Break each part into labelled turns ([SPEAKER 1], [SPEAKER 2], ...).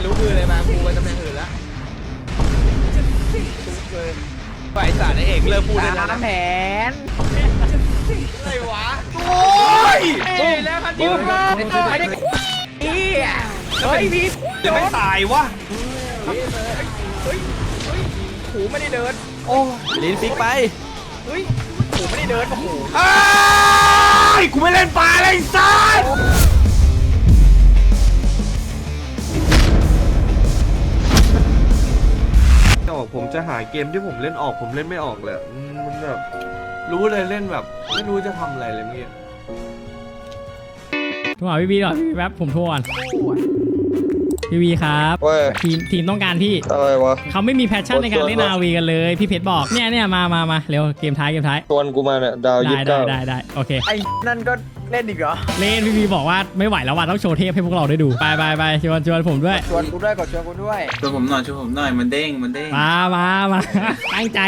[SPEAKER 1] รู้มือเลยมากูไปตำแหน่งอื่นแล้วทุกเลยฝ่ายสารเอกเลิกพูดได้แล้วนะ
[SPEAKER 2] แผน
[SPEAKER 1] อะไรวะโอ้ยแล้วคันนี้
[SPEAKER 2] ไม่ได้เฮ้ยพี่
[SPEAKER 1] จะไม่ตายวะ
[SPEAKER 2] หูไม่ได้เดิน
[SPEAKER 1] โอ้ลิ้นฟิกไป
[SPEAKER 2] เฮ้ยหูไม่ได้เดินโอ้โห
[SPEAKER 1] ไอ้กูไม่เล่นปลาเลยสัสออกผมจะหาเกมที่ผมเล่นออกผมเล่นไม่ออกเลยมันแบบรู้เลยเล่นแบบไม่รู้จะทำอะไรเลยเมื่อกี้
[SPEAKER 3] โทรหาพี่บีก่อนพี่แป๊บผมโทรก่อนพี่บีครับทีมต้องการพี่
[SPEAKER 4] อะไรวะ
[SPEAKER 3] เขาไม่มีแพชชั่นในการเล่นนาวีกันเลยพี่เพชรบอกเนี่ยมาเร็วเกมท้าย
[SPEAKER 4] ชวนกูมาเนี่ยดาวยี่สิบเก้า
[SPEAKER 3] ได้โอเค
[SPEAKER 2] ไอ้นั่นก็เล่นอีกเหรอ
[SPEAKER 3] เล่นพี่บีบอกว่าไม่ไหวแล้วว่ะต้องโชว์เทพให้พวกเราได้ดูไปชวนผมด้วย
[SPEAKER 2] ชวนกูด้วยกดชวนกูด้วย
[SPEAKER 5] ช่วยผมหน่อยมันเด้ง
[SPEAKER 3] มาตั้งใจ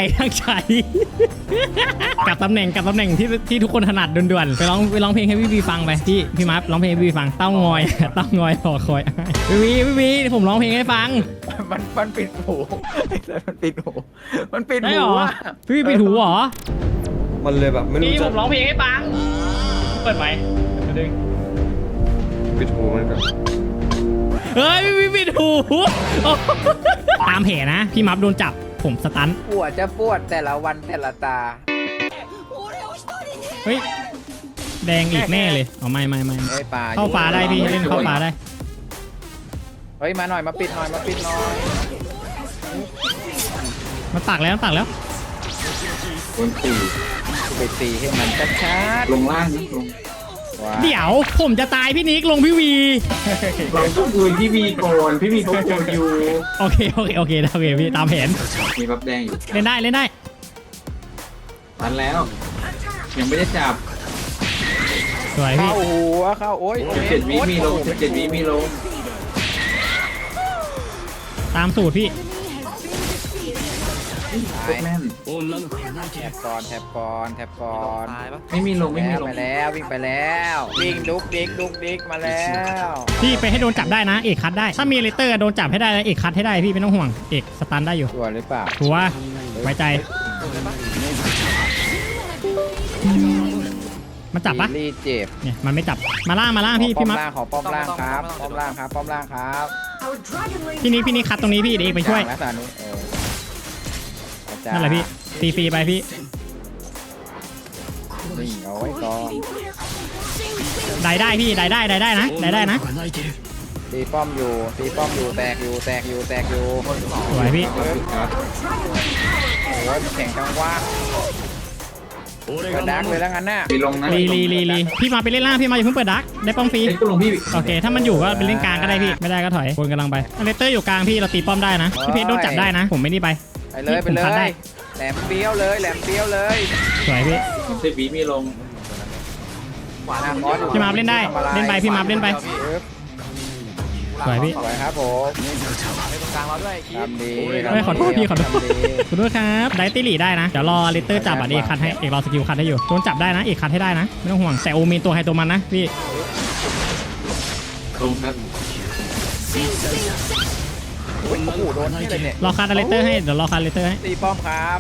[SPEAKER 3] กับตำแหน่งที่ทุกคนถนัดด่วนๆไปร้องเพลงให้พี่บีฟังไปพี่มัฟร้องเพลงให้พี่บีฟังเต้างอยรอคอยพี่บีผมร้องเพลงให้ฟัง
[SPEAKER 2] มันปิดหูมันปิดหู
[SPEAKER 3] ได้หรอ
[SPEAKER 2] อ่ะ
[SPEAKER 3] พี่บีปิดหูเหรอ
[SPEAKER 4] มันเลยแบบไม่รู้
[SPEAKER 3] พี่ผ
[SPEAKER 4] จะ
[SPEAKER 3] มร้องเพลงให้ฟังเปิดไหมดึง
[SPEAKER 4] ปิดหูมันก่อน
[SPEAKER 3] เฮ้ยพี่ปิดหูตามแผลนะพี่มัฟโดนจับผมสตัน
[SPEAKER 2] ปวดแต่ละวันแต่ละตา
[SPEAKER 3] เฮ้ยแดงอีกแน่เลยอ๋อไม่
[SPEAKER 2] เฮ้ยป่า
[SPEAKER 3] เข้าฟ้าได้พี่เล่นเข้าฟ้าได้
[SPEAKER 2] เฮ้ยมาหน่อยมาปิดหน่อย
[SPEAKER 3] มันตักแล้ว
[SPEAKER 5] บนสี่
[SPEAKER 2] ไปตีให้มันชัด
[SPEAKER 5] ลงล่างนะลง
[SPEAKER 2] ๆว้า
[SPEAKER 3] เดี๋ยวผมจะตายพี่นิกลงพี่วี
[SPEAKER 5] เราต้องดูพี่บีก่อนพี่บีเขาโกนอยู่
[SPEAKER 3] โอเคพี่ตามแผน
[SPEAKER 5] มีบัฟแดงอยู่
[SPEAKER 3] เล่นได้
[SPEAKER 5] ตันแล้ว ยังไม่ได้จับ
[SPEAKER 3] สวยพี่
[SPEAKER 2] เข้าหัวเข้าโอ้ย
[SPEAKER 5] 17 วิมีลง17 วิมีลง
[SPEAKER 3] ตามสูตรพี่
[SPEAKER 5] โคตรแม่น
[SPEAKER 2] แทบก่อน
[SPEAKER 5] ไม่มีลง
[SPEAKER 2] ไปแล้ววิ่งไปแล้ววิ่งดุกดิกมาแล้ว
[SPEAKER 3] พี่ไปให้โดนจับได้นะเอกคัดได้ถ้ามีเลเตอร์โดนจับให้ได้แล้วเอกคัดให้ได้พี่ไม่ต้องห่วงเอกสตันได้อยู่
[SPEAKER 2] ตัวหรือเปล่า
[SPEAKER 3] หัวไว้ใจมันจับปะ
[SPEAKER 2] รีเจ็บ
[SPEAKER 3] เนี่ยมันไม่จับมาล่างพี่มัฟ
[SPEAKER 2] ขอป้อมล่างครับป้อมล่างครับ
[SPEAKER 3] พี่นิกคัดตรงนี้พี่เดี๋ยวเอกไปช่วย
[SPEAKER 2] นะสานุ
[SPEAKER 3] นั่นแหละพี่ตีฟรีไปพี่
[SPEAKER 2] นี่เอาไว้ก่อน
[SPEAKER 3] ได้พี่ได้นะ
[SPEAKER 2] ตีป้อมอยู่แตกอยู่
[SPEAKER 3] สวยพี่
[SPEAKER 2] โอ้ยแข่งจังวะกระดักเลยแล้วงั้นน่ะ
[SPEAKER 5] มีลงนะ
[SPEAKER 3] ลีพี่มาไปเล่นล่างพี่มาอย่าเพิ่งเปิดดักได้ป้อมฟรี
[SPEAKER 5] เอ้ยก็ลงพี่
[SPEAKER 3] โอเคถ้ามันอยู่ก็เป็นเล่นกลางก็ได้พี่ไม่ได้ก็ถอยคนกำลังไปเลเตอร์อยู่กลางพี่เราตีป้อมได้นะพี่เพชรโดนจับได้นะผมไม่นี่ไป
[SPEAKER 2] ไปเลยแหลมเปี้ยวเลย
[SPEAKER 3] สวยพี่
[SPEAKER 5] 30 วิมีลง
[SPEAKER 3] พี่มาเล่นได้เล่นไปพี่มาเล่นไปสวยพี่
[SPEAKER 2] สวยครับผมทำดี
[SPEAKER 3] เฮ้ยขอโทษพี่ขอโทษครับได้ตีหลีได้นะเดี๋ยวรอเลเตอร์จับอ่ะเอกคัดให้เอกรอสกิลคัดให้อยู่โดนจับได้นะเอกคัดให้ได้นะไม่ต้องห่วงแต่โอมีตัวใครตัวมันนะพี่
[SPEAKER 5] ลงครับ
[SPEAKER 2] โอ้โหโดนที่เลยเนี่ย
[SPEAKER 3] รอคัดเลเตอร์ให้เดี๋ยวรอคัดเลเตอร์ให้
[SPEAKER 2] ตีป้อมครับ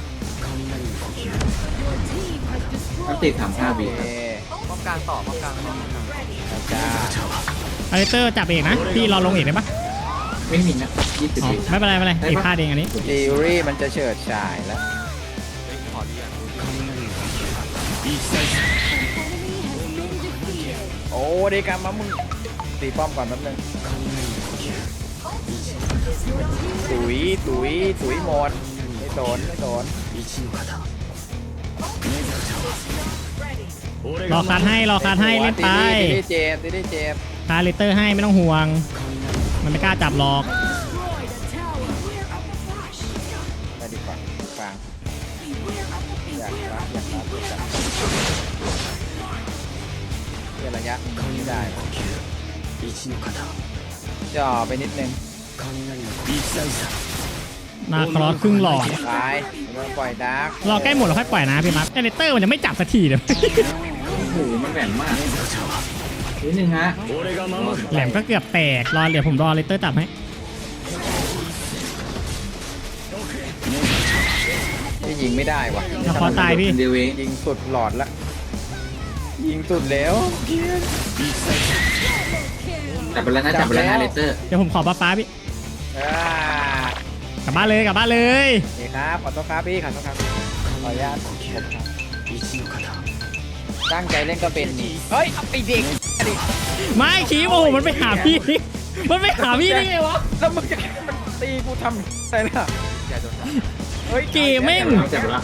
[SPEAKER 5] มันติด35 วิ
[SPEAKER 2] ป้อมกลางต่อจ้า
[SPEAKER 3] เลเตอร์จับเอกนะพี่รอลงเอกได้ปะ
[SPEAKER 5] ไม่มีนะ20
[SPEAKER 3] อ๋อ
[SPEAKER 5] วิ
[SPEAKER 3] ไม่เป็นไรเอกพลาดเองอันนี้
[SPEAKER 2] จีรี่มันจะเฉิดฉายแล้วโอ้เด็กกันมามึงตีป้อมก่อนแป๊บนึงตุ๋ยหมดไม่สน
[SPEAKER 3] รอคัดให้เล่นไป
[SPEAKER 2] ตีได้เจ็บ
[SPEAKER 3] คัดเลเตอร์ให้ไม่ต้องห่วงมันไม่กล้าจับหรอก
[SPEAKER 2] ไปดีกว่าฟังอยากรับเพื่อระยะไม่ได้จ่อไปนิดนึง
[SPEAKER 3] นาครอสครึ่งหลอด
[SPEAKER 2] ตายเราปล่อยดาร์ก
[SPEAKER 3] รอใกล้หมดเราค่อยปล่อยนะพี่มัฟเลเตอร์มันจะไม่จับสักทีเลย
[SPEAKER 5] โอ้โหมันแหลมมากนิดนึงฮะ
[SPEAKER 3] แหลมก็เกือบแตกรอเดี๋ยวผมรอเลเตอร์จับให้
[SPEAKER 2] ยิงไม่ได้ว่ะ
[SPEAKER 3] ถ้าขอตายพี่
[SPEAKER 5] เดียวเอง
[SPEAKER 2] ยิงสุดหลอดละยิงสุดแล้ว
[SPEAKER 5] จับไปแล้วนะจับไปแล้วนะเลเตอร์
[SPEAKER 3] เดี๋ยวผมขอป้าพี่
[SPEAKER 2] อ่าก
[SPEAKER 3] ลับบ้านเลยกลับบ้านเลย
[SPEAKER 2] โอเคครับขอโทษครับพี่ขอโทษครับขออนุญาตผมครับตั้งใจเล่นก็เป็นนี่เฮ้ยเอาไปเด็กดิ
[SPEAKER 3] ไม่คีบโอ้โหมันไปหาพี่ มันไปหาพี่ได้ไงวะ
[SPEAKER 2] แล้วมึงจะมันตีกูทำอะไรล่ะอย่าโดนจับเฮ้ย
[SPEAKER 3] เกมแม่ง
[SPEAKER 5] จับไปแล้ว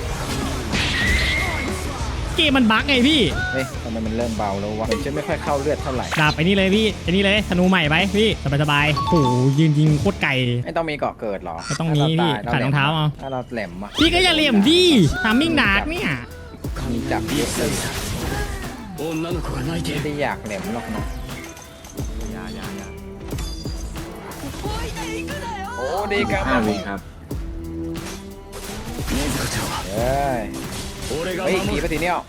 [SPEAKER 3] เกมมันบั๊กไงพี่
[SPEAKER 2] เฮ้ยทำไมมันเริ่มเบาแล้ววะผมจะไม่ค่อยเข้าเลือดเท่าไหร่
[SPEAKER 3] ดาบไอ้นี่เลยพี่ไอ้นี่เลยธนูใหม่ไปพี่สบายๆโอ้โหยืนยิงโคตรไกล
[SPEAKER 2] ไม่ต้องมีเกาะเกิดหรอ
[SPEAKER 3] ไม่ต้องมีพี่
[SPEAKER 2] ถ้
[SPEAKER 3] ใส่รองเท้าเอา
[SPEAKER 2] ถ้าเราแหลมอ่ะ
[SPEAKER 3] พี่ก็อย่าเหลี่ยมดิทามมิ่งดาร์กเนี่ย
[SPEAKER 2] มีจับเยอะเลยไม่ได้อยากแหลมหรอกนะโอ้ดีครับ
[SPEAKER 5] 5 วิครับ
[SPEAKER 2] เฮ้ยเฮ้ยขี่ปะทีเนี้ย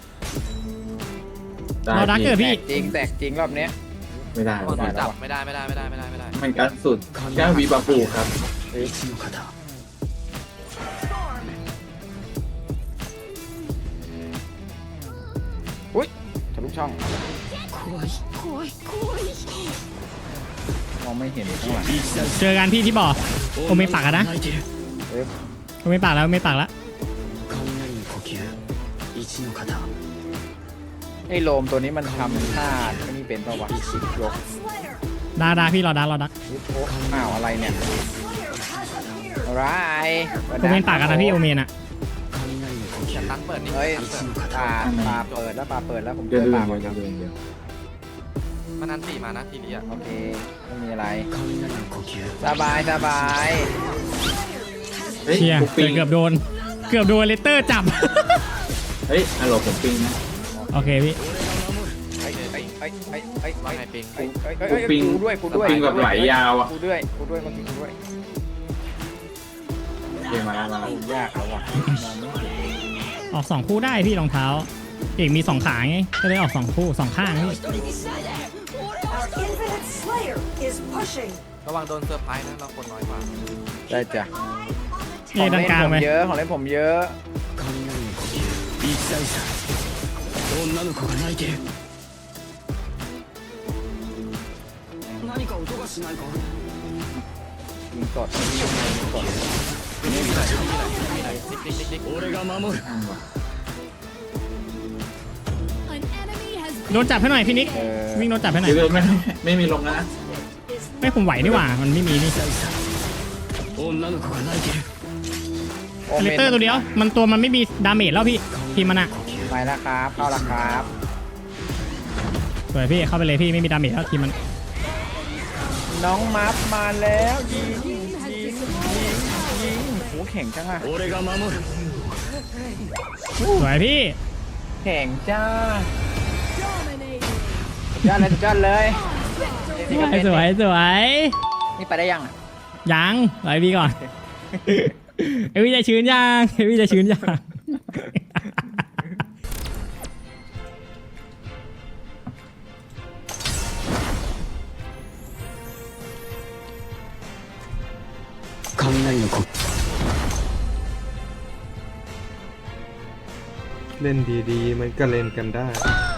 [SPEAKER 3] เราดักเกิด
[SPEAKER 2] แต
[SPEAKER 3] พี่
[SPEAKER 2] กจริงแตกจริงรอบเนี้ย
[SPEAKER 5] ไม่ได้
[SPEAKER 2] ไม่ได้แล้ว
[SPEAKER 6] จับ
[SPEAKER 2] วะ
[SPEAKER 6] ไม่ได้ไม่ได้ไม่ได้ไม่ได้ไม่ได้
[SPEAKER 5] มันกัดสุด9 วิบาปูครับ
[SPEAKER 2] อุ้ยทะลุช่องมองไม่เห็นข้างหลัง
[SPEAKER 3] เจอกันพี่ที่บ่อผมไม่ปักอะนะ
[SPEAKER 2] เอ้ย
[SPEAKER 3] ผมไม่ปักแล้วไม่ปักแล้ว
[SPEAKER 2] ไอ้โลมตัวนี้มันทำท่าไอ้นี่เป็นปะวะยก
[SPEAKER 3] ดาพี่รอดัก
[SPEAKER 2] โอ้อ้าวอะไรเนี่ยอะไร
[SPEAKER 3] ผมไม่ปักอะนะพี่โอเมนอะ
[SPEAKER 6] จับตั้งเปิดนี่
[SPEAKER 2] เฮ้ย
[SPEAKER 6] ตั้งเปิด
[SPEAKER 2] ปลาเปิดแล้วปลาเปิดแล้วผมเจ
[SPEAKER 5] เดือ
[SPEAKER 2] อ
[SPEAKER 5] ด
[SPEAKER 2] ปลา
[SPEAKER 5] เดื
[SPEAKER 2] ก่
[SPEAKER 5] อ
[SPEAKER 2] อน
[SPEAKER 5] ด
[SPEAKER 2] ครับ
[SPEAKER 5] เดือด
[SPEAKER 6] มันนันสี่มานะทีนี้อ่ะ
[SPEAKER 2] โอเคไม่มีอะไรสบายสบาย
[SPEAKER 5] เฮ้ย
[SPEAKER 3] เชีย
[SPEAKER 5] กูปิง
[SPEAKER 3] เกือบโดนเลตเตอร์จับ
[SPEAKER 5] เฮ้ยฮัลโหลผมปิงนะ
[SPEAKER 3] โอเคพี่
[SPEAKER 2] ไอ้
[SPEAKER 6] ว่าไงปิง
[SPEAKER 2] กูด้วยกูด้วย
[SPEAKER 5] ปิงแบบไหลยาวอ่ะ
[SPEAKER 2] กูด้วยเมื่อกี้กูด้วย
[SPEAKER 5] เกมมาแล้ว
[SPEAKER 2] ยากแล้วว่ะ
[SPEAKER 3] ออก2คู่ได้พี่รองเท้าเอกมี2ขาไงก็เลยออก2คู่2ข้างพี่
[SPEAKER 7] Our infinite slayer is pushing.
[SPEAKER 6] ระวังโดนเซอร์ไพรส์นะเราคนน้อยกว่า
[SPEAKER 2] ได้จ้ะ
[SPEAKER 3] เอกด้านกลางไป
[SPEAKER 2] ของเล่นผมเยอะยิงสดยิงสด
[SPEAKER 3] โดนจับให้หน่อยพี่นิกวิ่งโดนจับให้หน่อย
[SPEAKER 5] เดือดไม่มีลงนะ
[SPEAKER 3] ไม่ผมไหวนี่หว่ามันไม่มีนี่เลตเตอร์ตัวเดียวมันไม่มีดาเมจแล้วพี่ทีมมันอะ
[SPEAKER 2] ไปแล้วครับเข้าแล้วครับ
[SPEAKER 3] สวยพี่เข้าไปเลยพี่ไม่มีดาเมจแล้วทีมมัน
[SPEAKER 2] น้องมัฟมาแล้วยิงโหแข็งจังอะ
[SPEAKER 3] สวยพี่
[SPEAKER 2] แข่งจ้าจอดเลย
[SPEAKER 3] สวย
[SPEAKER 2] นี่ไปได้ยังอ่ะ
[SPEAKER 3] ยังรอพี่ก่อน เอวี่จะชื้นยังเอวี่จะชื้นยัง
[SPEAKER 1] เล่นดีๆ มันก็เล่นกันได้